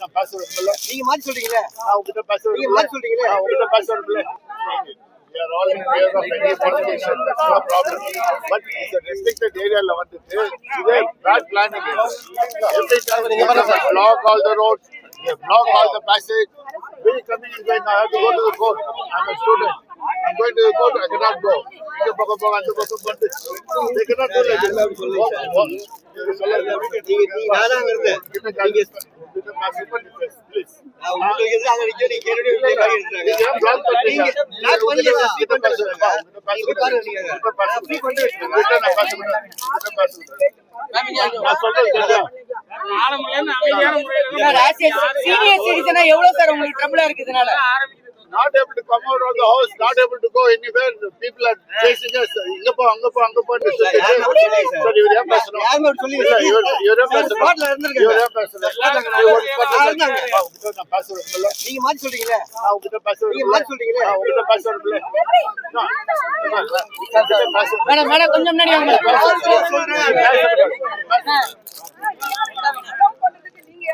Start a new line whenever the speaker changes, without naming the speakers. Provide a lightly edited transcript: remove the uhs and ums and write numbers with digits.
நான் பேசுறேன்.
நீங்க மாத்தி சொல்றீங்களே,
நான் உங்ககிட்ட பேசுறேன்.
நீங்க மாத்தி சொல்றீங்களே.
நான் உங்ககிட்ட பேசுறேன். We are all in favor of any politician. That's no problem. But it's a restricted area. Today, bad planning. Every time they block all the roads, they block all the passage. We coming in going, I have to go to the court. I'm a student. I'm going to the court. I cannot go. They cannot do like this. Please.
உங்களுக்கு எதிராக அங்க நிக்க நீங்க கேள்வி
சீனியர் சிட்டிசனா எவ்வளவு சார் உங்களுக்கு ட்ரபிளா இருக்கு இதனால?
Not able to come out of the house, not able to go anywhere. People are chasing us. Inga po. Sir, you have person. You have person.
நீங்க மாத்தி சொல்றீங்களே,
நான் உங்ககிட்ட பேசுறேன்.
நீங்க மாத்தி சொல்றீங்களே.
நான் உங்ககிட்ட பேசுறேன்.
மேடம் கொஞ்சம் முன்னாடி வாங்க.